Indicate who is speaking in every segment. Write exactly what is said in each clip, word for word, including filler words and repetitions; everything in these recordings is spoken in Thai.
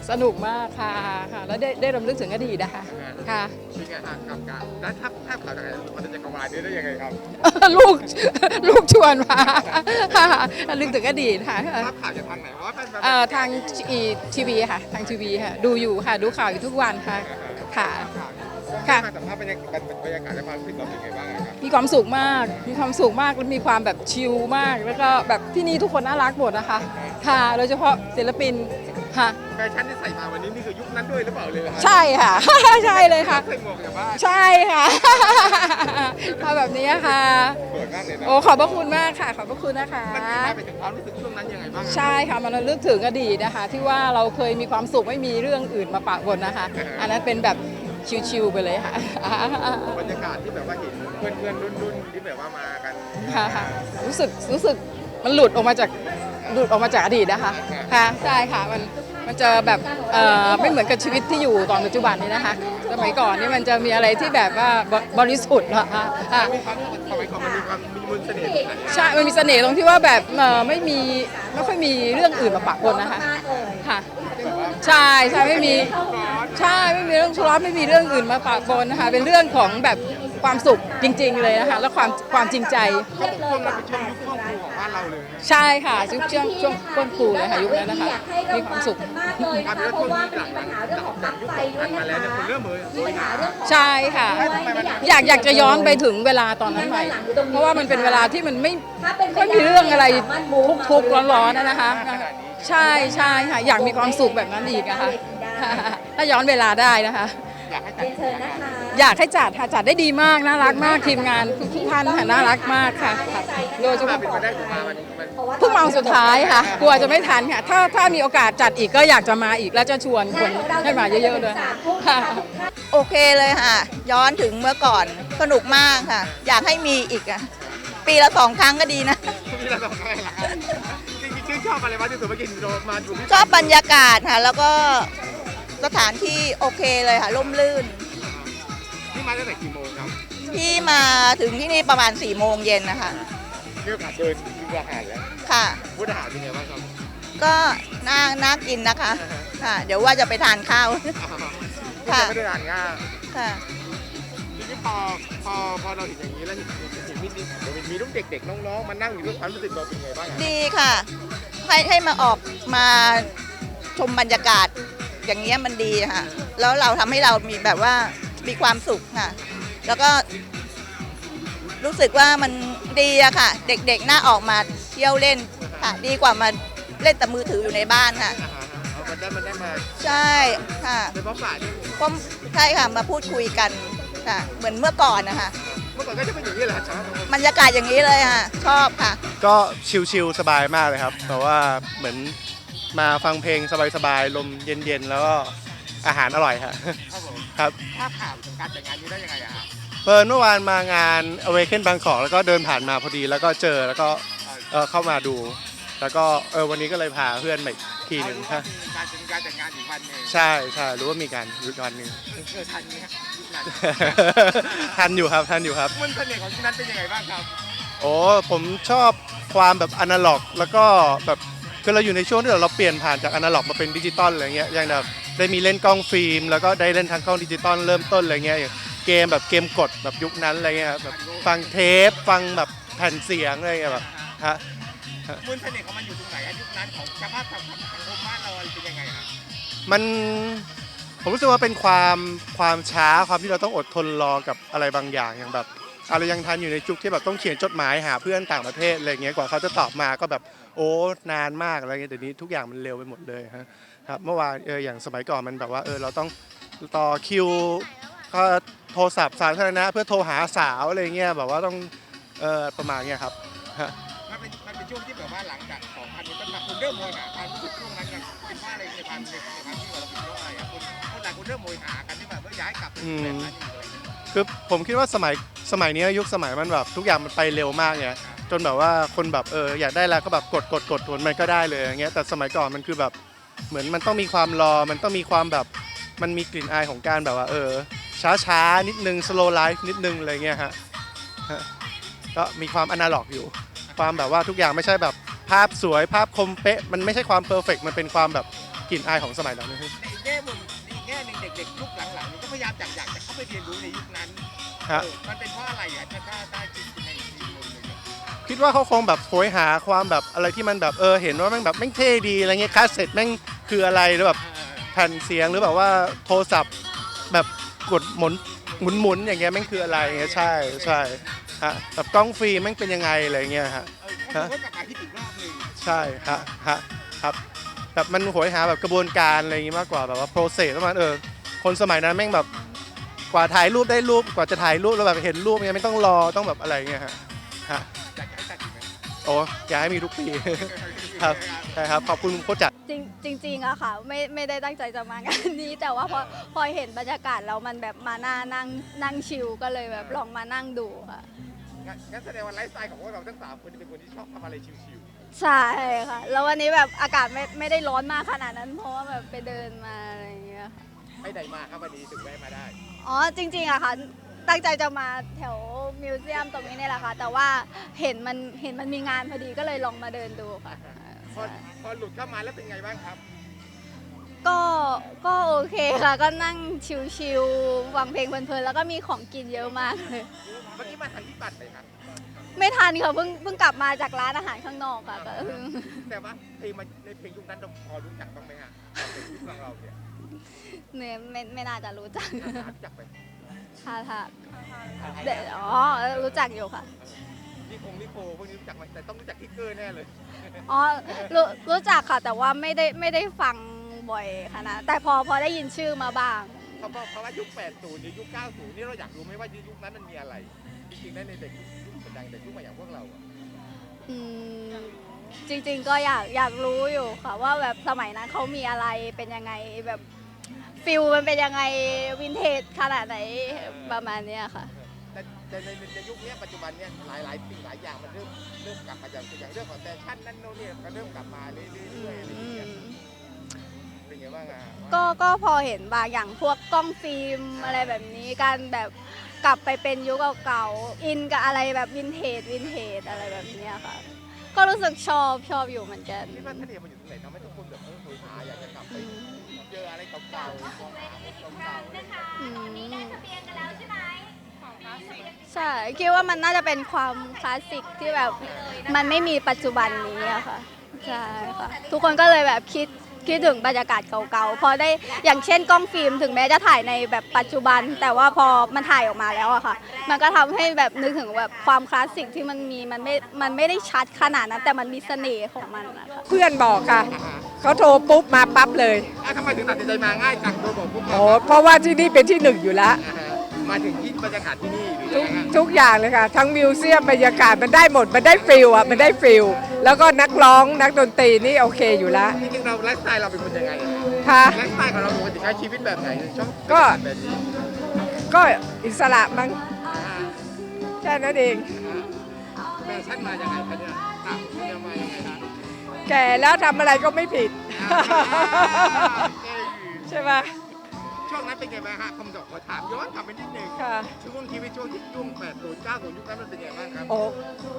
Speaker 1: สนุกมากค่ะค่ะแล้วได้ได้รำลึกถึงอดีตนะคะค่ะ
Speaker 2: เป็นไงฮะกับการแล้วถ้าถ้าข่าวจากไหนมันจะจักรวาลนี้ได้ยังไงครับ
Speaker 1: ลูกลูกชวนมาค่ะรำลึกถึงอดีตค่ะ
Speaker 2: ภาพข่าวจากทางไหนเพราะว่าเป็น
Speaker 1: เอ่อทางทีวีค่ะทางทีวีค่ะดูอยู่ค่ะดูข่าวอยู่ทุกวันค่ะค่ะ
Speaker 2: ค่ะมาสัมภาษณ์บรรยากาศบรรยากาศและความรู้สึกเราเป็นไงบ้างครับ
Speaker 1: มีความสุขมากมีความสุขมากและมีความแบบชิลมากแล้วก็แบบที่นี่ทุกคนน่ารักหมดนะคะค่ะโดยเฉพาะศิลปินค่ะ
Speaker 2: แฟชั่นที่ใส่มาวันนี้นี่คือยุคนั้นด้วยหรือเปล่าเลยครับ
Speaker 1: ใช่ค่ะใช่เลยค่ะ
Speaker 2: ใส่หมวกจากบ้าน
Speaker 1: ใช่ค่ะมาแบบนี้ค่ะ
Speaker 2: สวยมากเลยนะ
Speaker 1: โอ้ขอบพระคุณมากค่ะขอบพระคุณนะคะ
Speaker 2: มันมีมาไปถึงความรู้สึกช่วงนั้นยังไงบ้าง
Speaker 1: ใช่ค่ะมันระลึกถึงอดีตนะคะที่ว่าเราเคยมีความสุขไม่มีเรื่องอื่นมาปะปนนะคะอันนั้นเป็นแบบชิวๆไปเลยค่ะ
Speaker 2: บรรยากาศที่แบบว่าเห็นเพื่อนๆรุ่นๆที่แบบว่ามากัน
Speaker 1: ค่ะรู้สึกรู้สึกมันหลุดออกมาจากหลุดออกมาจากอดีตนะคะค่ะใช่ค่ะมันมันจะแบบเอ่อไม่เหมือนกับชีวิตที่อยู่ตอนปัจจุบันนี้นะคะสมัยก่อนนี่มันจะมีอะไรที่แบบว่าบริสุทธิ์นะคะ
Speaker 2: มีความสมัยก่อนมันมีความมีมนต์เสน่ห์
Speaker 1: ใช่มันมีเสน่ห์ตรงที่ว่าแบบเอ่อไม่มีไม่ค่อยมีเรื่องอื่นมาปะปนนะคะค่ะใช่ใช่ไม่มีใช่ไม่มีเรื่องทะเลาะไม่มีเรื่องอื่นมาปะปนนะคะเป็นเรื่องของแบบความสุขจริงๆเลยนะคะและความความจริงใจ
Speaker 2: ก็ช่วงนั้นเป็นช่วงยุคช่วงครูของบ้านเราเลย
Speaker 1: ใช่ค่ะช่วงช่วงช่วงก้นครูเลยค่ะยุคนั้นนะคะมีความสุข
Speaker 2: เพราะว่ามีปัญหาเรื่องของปลั๊กไฟด้วยนะคะคนเริ่มเลยมีปัญหาเรื่อง
Speaker 1: ใช่ค่ะอยากอยากจะย้อนไปถึงเวลาตอนนั้นใหม่เพราะว่ามันเป็นเวลาที่มันไม่ไม่มีเรื่องอะไรทุกข์ร้อนๆนะคะใช่ใช่ค่ะอยากมีความสุขแบบนั้นอีกอะค่ะถ้าย้อนเวลาได้นะคะอยากให้จัดค่ะจัดได้ดีมากน่ารักมากทีมงานทุกท่านค่ะน่ารักมากค่ะโดยเฉพาะเพิ่งมาสุดท้ายค่ะกลัวจะไม่ทันค่ะถ้าถ้ามีโอกาสจัดอีกก็อยากจะมาอีกแล้วจะชวนคนให้มาเยอะๆเลยค่ะ
Speaker 3: โอเคเลยค่ะย้อนถึงเมื่อก่อนสนุกมากค่ะอยากให้มีอีกอ่ะปีละสองครั้งก็ดีนะ
Speaker 2: ปีละสองครั้งเหรอจริงๆชื่นชอบอะไรบ้างที่สุดเมื่อกี้มาดู
Speaker 3: ชอบบรรยากาศค่ะแล้วก็สถานที่โอเคเลยค่ะร่มรื่น
Speaker 2: ที่มาตั้งแต่กี่โมงครับ
Speaker 3: ที่มาถึงที่นี่ประมาณสี่โมงเย็นนะคะ
Speaker 2: มีโอกาสเดินดูอาหารแล้ว
Speaker 3: ค่ะ
Speaker 2: พูดอาหารเป็นไงบ้างครับ
Speaker 3: ก็น่าน่ากินนะคะค่ะเดี๋ยวว่าจะไปทานข้าว
Speaker 2: ค่ะไม่ได้ทานข้าว
Speaker 3: ค่ะ
Speaker 2: ทีนี้พอพอพอเราเห็นอย่างนี้แล้วเห็นเห็นมีมีลูกเด็กๆน้องๆมานั่งอยู่ด้วยความรู้สึกเราเป็นไงบ้าง
Speaker 3: ดีค่ะให้ให้มาออกมาชมบรรยากาศอย่างเงี้ยมันดีค่ะแล้วเราทำให้เรามีแบบว่ามีความสุขค่ะแล้วก็รู้สึกว่ามันดีอะค่ะเด็กๆน่าออกมาเที่ยวเล่นค่ะดีกว่ามาเล่นแต่มือถืออยู่ในบ้านค่ะ
Speaker 2: มันได้มันได้มา
Speaker 3: ใช่ค่ะ
Speaker 2: เป็นเพราะฝ่าย
Speaker 3: ก็ใช่ค่ะมาพูดคุยกันค่ะเหมือนเมื่อก่อนนะคะ
Speaker 2: เมื่อก่อนก็จะเป็นอย่างนี้แหละครับ
Speaker 3: บรรยากาศอย่างนี้เลยค่ะชอบค่ะ
Speaker 4: ก็ชิลๆสบายมากเลยครับแต่ว่าเหมือนมาฟังเพลงสบายๆลมเย็นๆแล้วก็อาหารอร่อยครับ
Speaker 2: ครับภาพข่าวของการแต่งงานนี้ได้ยังไงอะครับ
Speaker 4: เปิดเมื่อวานมางาน Awaken Bangkok แล้วก็เดินผ่านมาพอดีแล้วก็เจอแล้วก็เข้ามาดูแล้วก็เออวันนี้ก็เลยพาเพื่อนมาอีกทีหนึ่ง
Speaker 2: ครับการเป็นการแต่งงานอีกวันนึง
Speaker 4: ใช่ใช่รู้ว่ามีการอีกวันหนึ่ง
Speaker 2: ทันไหมครับ
Speaker 4: ทันอยู่ครับทันอยู่ครับ
Speaker 2: มันเสน่ห์ของที่นั้นเป็นยังไงบ้างครับ
Speaker 4: โอ้ผมชอบความแบบอนาล็อกแล้วก็แบบคือเราอยู่ในช่วงที่เราเปลี่ยนผ่านจากอนาล็อกมาเป็นดิจิตอลอะไรเงี้ยอย่างแบบได้มีเล่นกล้องฟิล์มแล้วก็ได้เล่นทางกล้องดิจิตอลเริ่มต้นอะไรเงี้ยเกมแบบเกมกดแบบยุคนั้นอะไรเงี้ยแบบฟังเทปฟังแบบแผ่นเสียงอะไรเงี้ยแบบฮะ
Speaker 2: มูลเสน่ห์ของมันอยู่ตรงไหนยุคนั้นของสภาพสังคมบ้านเราเป็นยังไงครับ
Speaker 4: มันผมรู้สึกว่าเป็นความความช้าความที่เราต้องอดทนรอกับอะไรบางอย่างอย่างแบบอะไรยังทันอยู่ในจุกที่แบบต้องเขียนจดหมายหาเพื่อนต่างประเทศอะไรเงี้ยกว่าเขาจะตอบมาก็แบบโอ้นานมากอะไรเงี้ยแต่นี้ทุกอย่างมันเร็วไปหมดเลยฮะครับเมื่อวานเอออย่างสมัยก่อนมันแบบว่าเออเราต้องต่อคิวก็โทรศัพท์สาธารณะเพื่อโทรหาสาวอะไรเงี้ยแบบว่าต้องเออประมาณเงี้ยครับ
Speaker 2: มันเป็นมันเป็นช่วงที่แบบว่าหลังจากของพันนี้ต้นมาคุณเริ่มโมยหาความรู้สึกช่วงนั้นกันเป็นว่าอะไรในความในความที่เราเป็นเพราะอะไรคนคนหลายคนเริ่มโมยหากันที่แบบว่าย้ายกลับแบบนั้น
Speaker 4: คือผมคิดว่าสมัยสมัยนี้ยุคสมัยมันแบบทุกอย่างมันไปเร็วมากเนี่ยจนแบบว่าคนแบบเอออยากได้แล้วก็แบบกดกดกดมันก็ได้เลยอย่างเงี้ยแต่สมัยก่อนมันคือแบบเหมือนมันต้องมีความรอมันต้องมีความแบบมันมีกลิ่นอายของการแบบว่าเออช้าช้านิดนึง slow life นิดนึงอะไรเงี้ยฮะก็มีความอนาล็อกอยู่ความแบบว่าทุกอย่างไม่ใช่แบบภาพสวยภาพคมเป๊ะมันไม่ใช่ความเพอร์เฟกต์มันเป็นความแบบกลิ่นอายของสมัยนั้น
Speaker 2: ในอีกแง่มุมในอีกแง่หนึ่งเด็กๆยุคหลังๆนี่ก็พยายามอยากอยากจะเข้าไปเรียนรู้ในยุคนั้น
Speaker 4: ฮะ
Speaker 2: เออมันเป็นเพราะอะไรอ่ะถ้าถ้าถ้าคิดในอีกมุมหนึ่งอะ
Speaker 4: คิดว่าเขาคงแบบโหยหาความแบบอะไรที่มันแบบเออเห็นว่าแม่งแบบแม่งเท่ดีอะไรเงี้ยคาสเซ็ตแม่งคืออะไรหรือแบบ
Speaker 2: เออ
Speaker 4: แผ่นเสียงหรือแบบว่าโทรศัพท์แบบกดหมุนหมุนหมุนอย่างเงี้ยแม่งคืออะไรเงี้ยใช่ใช่ฮะแบบกล้องฟิล์มแม่งเป็นยังไงอะไรเงี้ยฮะ
Speaker 2: เออเขาบอกว่ากลับมาที่อีกรอบหนึ่ง
Speaker 4: ใช่ฮะฮะครับแบบมันโหยหาแบบกระบวนการอะไรอย่างงี้มากกว่าแบบว่าโปรเซสประมาณเออคนสมัยนั้นแม่งแบบกว่าถ่ายรูปได้รูปกว่าจะถ่ายรูปแล้วแบบเห็นรูปเนี่ยไม่ต้องรอต้องแบบอะไรเงี้ยฮะฮะ
Speaker 2: อยากจะให้จัดอีกไหม
Speaker 4: โอ้อยากให้มีทุกปี ครับใช่ครับขอบคุณโคชจัด
Speaker 5: จริงจริงๆอะค่ะไม่ไม่ได้ตั้งใจจะมางานนี้ แต่ว่าพอพอเห็นบรรยากาศแล้วมันแบบมาหน้านั่งนั่งชิลก็เลยแบบลองมานั่งดูค่ะ
Speaker 2: งั้นงั้นแสดงว่าไลฟ์สไตล์ของพวกเราทั้งสามคนเป็นคนที่ชอบทำอะไรชิว
Speaker 5: ใช่ค่ะ แล้ววันนี้แบบอากาศไม่ไม่ได้ร้อนมากขนาดนั้น เพราะว่าแบบไปเดินมาอะไรอย่างเงี้ยค่ะ
Speaker 2: ๆไปไหนมาครับวันนี้ถึงแวะมาได้
Speaker 5: อ๋อจริงๆอะค่ะตั้งใจจะมาแถวมิวเซียมตรงนี้เนี่ยแหละค่ะ แต่ว่าเห็นมันเห็นมันมีงานพอดีก็เลยลองมาเดินดูค่ะ
Speaker 2: พอพอหลุดเข้ามาแล้วเป็นไงบ้างครับ
Speaker 5: ก็ก็โอเคค่ะ ก็นั่งชิลๆฟังเพลงเพลินๆแล้วก็มีของกินเยอะมากเลย
Speaker 2: เมื่อกี้มาทางที่ปัดเลยครับ
Speaker 5: ไม่ทันค่ะเพิ่งเพิ่งกลับมาจากร้านอาหารข้างนอกค่ะก็
Speaker 2: แต่ว่าเพลงมันในเพลงยุคนั้นเราพอรู้จักบ้างไหมฮะเพลงยุคของเราเนี่ย
Speaker 5: เนี่ยไม่ไม่น่าจะรู้จัก
Speaker 2: รู้จักไหม
Speaker 5: ค่ะค่ะเดี๋ยวอ๋อรู้จักอยู่ค่ะ
Speaker 2: นี่คงนี่โคพวกนี้รู้จักไหมแต่ต้องรู้จักทิกเกอร์แน่เลย
Speaker 5: อ๋อรู้รู้จักค่ะ แต่ว่าไม่ได้ไม่ได้ฟังบ่อยขนาดแต่พอพอได้ยินชื่อมาบ้าง
Speaker 2: เพราะเพราะว่ายุค แปดสิบ หรือยุค เก้าสิบ นี่เราอยากรู้ไหมว่ายุคนั้นมันมีอะไร จริงๆแล้วในเด็กยุคดังเด็กยุคใหม่อย่างพวกเราอะ
Speaker 5: อืมจริงๆก็อยากอยากรู้อยู่ค่ะ ว่าแบบสมัยนั้นเขามีอะไรเป็นยังไงแบบฟิลมันเป็นยังไงวินเทจขนาดไหนประมาณเนี้ยค่ะ
Speaker 2: แต่แต่ในในยุคนี้ปัจจุบันเนี่ยหลายหลายสิ่งหลายอย่างมันเริ่มเริ่มกลับมาอย่างอย่างเรื่องของแฟชั่นนั่นโน่นนี่ก็เริ่มกลับมาเรื่อยๆอะไรอย่างเงี้ยเป็นไงบ้างอ่ะ
Speaker 5: ก็ก็พอเห็นบางอย่างพวกกล้องฟิล์มอะไรแบบนี้การแบบกลับไปเป็นยุคเก่าๆอินกับอะไรแบบวินเทจวินเทจอะไรแบบเนี้ยค่ะ ก็รู้สึกชอบชอบอยู่เหมือนกัน
Speaker 2: คิดว่าทะเลมันอยู่ตรงไหนทำให้ทุกคนแบบเออโหยหาอยากจะกลับไป
Speaker 5: อืม
Speaker 2: เจออะไรเก่าๆมองหาอะไรเก่าๆอะไรอย่างเงี้ย
Speaker 5: อืมใช่คิดว่ามันน่าจะเป็นความคลาสสิกที่แบบมันไม่มีปัจจุบันนี้อะค่ะใช่ค่ะทุกคนก็เลยแบบคิดคิดถึงบรรยากาศเก่าๆพอได้อย่างเช่นกล้องฟิล์มถึงแม้จะถ่ายในแบบปัจจุบัน แต่ว่าพอมันถ่ายออกมาแล้วอะค่ะ มันก็ทำให้แบบนึกถึงแบบความคลาสสิกที่มันมีมันไม่มันไม่ได้ชัดขนาดนั้นแต่มันมีเสน่ห์ของมันนะคะ
Speaker 1: เพื่อนบอกค่ะ เขาโทรปุ๊บมาปั๊บเลย
Speaker 2: อ่ะทำไมถึงตัดสินใจมาง่ายจังโดยบอกปุ๊บ
Speaker 1: โอ้เพราะว่าที่นี่เป็นที่หนึ่งอยู่แล้ว
Speaker 2: อ่าฮะมาถึงที่บรรยากาศที่นี่หรือ
Speaker 1: ทุ
Speaker 2: ยั
Speaker 1: ก
Speaker 2: งไงฮะ
Speaker 1: ทุกอย่างเลยค่ะ ทั้งมิวเซียมบรรยากาศมันได้หมด มันได้ฟิลอ่ะ มันได้ฟิลแล้วก็นักร้องนักดนตรีนี่โอเคอยู่แล้ว
Speaker 2: จริงๆเราไลฟ์สไตล์เราเป็นคนยังไงอะ
Speaker 1: ค่ะ
Speaker 2: ไลฟ์สไตล์ของเราปกติใช้ชีวิตแบบไหนชอบ
Speaker 1: ก็
Speaker 2: แบบนี้
Speaker 1: ก็อิสระมั้ง
Speaker 2: อ่าฮะ
Speaker 1: แค่นั้นเอง
Speaker 2: แฟชั่นมายังไงคะเนี่ยต่างคุณจะมายังไงคะ
Speaker 1: แก่แล้วทำอะไรก็ไม่ผิด
Speaker 2: อ่าเก่ง
Speaker 1: ใช่ไหม
Speaker 2: ช่วงนั้นเป็นไงบ้างฮะคำตอบขอถามย้อนกลับไปนิดนึง
Speaker 1: ค่ะ
Speaker 2: ช่วงชีวิตช่วงที่ยุ่งแปดศูนย์เก้าศูนย์ยุคนั้นมันเป็นยังไงบ้างครับ
Speaker 1: โอ้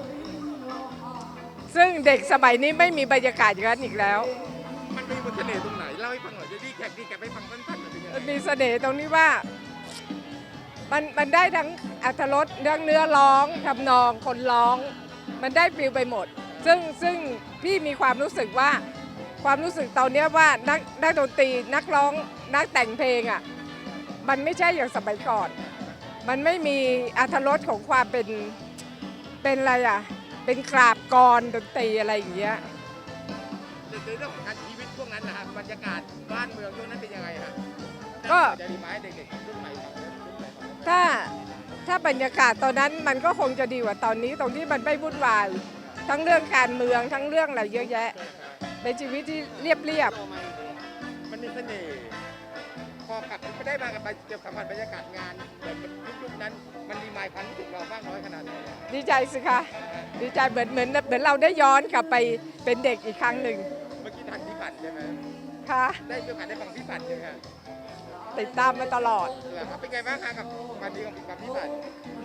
Speaker 1: ซึ่งเด็กสมัยนี้ไม่มีบรรยากาศอย่างนั้นอีกแล้ว
Speaker 2: มันมีบทเสน่ห์ตรงไหนเล่าให้ฟังหน่อยจะดีแคปดีแคปให้ฟังสั้นๆหน่อยเป็นยังไง
Speaker 1: มันมีเสน่ห์ตรงนี้ว่ามันมันได้ทั้งอรรถรสเรื่องเนื้อร้องทำนองคนร้อง มันได้ฟิลไปหมด ซึ่งซึ่งพี่มีความรู้สึกว่าความรู้สึกตอนเนี้ยว่านักนักดนตรีนักร้องนักแต่งเพลงอ่ะมันไม่ใช่อย่างสมัยก่อน มันไม่มีอรรถรสของความเป็นเป็นอะไรอ่ะเป็นกราบกรดนตรีอะไรอย่างเงี้ย
Speaker 2: ในเรื่องของการชีวิตช่วงนั้นนะฮะบรรยากาศบ้านเมืองช่วงนั้นเป็นยังไงฮะ
Speaker 1: ก็
Speaker 2: จะดีไหมเด็กๆรุ่นใหม่รุ่นใหม่
Speaker 1: ถ้าถ้าบรรยากาศตอนนั้นมันก็คงจะดีกว่าตอนนี้ตรงที่มันไม่วุ่นวายทั้งเรื่องการเมืองทั้งเรื่องอะไรเยอะแยะเป็นชีวิตที่เรียบเรียบ
Speaker 2: มันมีเสน่ห์พอกลับไม่ได้มากับเกี่ยวกับสัมผัสบรรยากาศงานเหมือนยุคนั้นมันรีมายความรู้สึกเรามากน้อยขนาดไหนอะ
Speaker 1: ดีใจสิคะดีใจเหมือนเหมือนเหมือนเราได้ย้อนกลับไปเป็นเด็กอีกครั้งหนึ่ง
Speaker 2: เมื่อกี้ทันพี่ปัดใช่ไหม
Speaker 1: ค่ะ
Speaker 2: ได้มีโอกาสได้ฟังพี่ปัดใช่ไหมฮะ
Speaker 1: ติดตามมาตลอด
Speaker 2: เหรอครับเป็นไงบ้างคะกับวันนี้ของกับพี่ปัด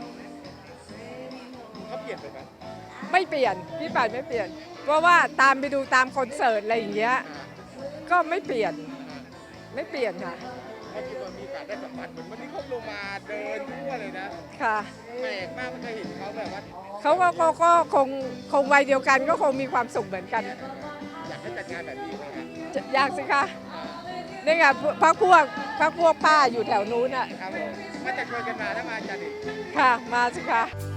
Speaker 2: เขาเปลี่ยนไปไหม
Speaker 1: ไม่เปลี่ยนพี่ป่านไม่เปลี่ยน เพราะว่าตามไปดูตามคอนเสิร์ตอะไรอย่างเงี้ย
Speaker 2: อ่า
Speaker 6: ก็ไม่เปลี่ยนไม่เปลี่ยนค่ะ
Speaker 2: เมื่อกี้มันมีการได้สัมผัสเหมือนวันนี้เขาลงมาเดินทั่วเลยนะ
Speaker 6: ค่ะ
Speaker 2: แปลกมากไม่เคยเห็นเขาแบบว่า
Speaker 6: เขาก็ก็ก็คงคงวัยเดียวกันก็คงมีความสุขเหมือนกัน
Speaker 2: อยากให้จัดงานแบบนี้ไหมครับ
Speaker 6: จะอยากสิคะนี่ไงพักพวกพักพวกป้าอยู่แถวนู้นอ่ะ
Speaker 2: ครับผมมาจะชวนกันมาถ้ามาจัดอีก
Speaker 6: ค่ะ มาสิคะ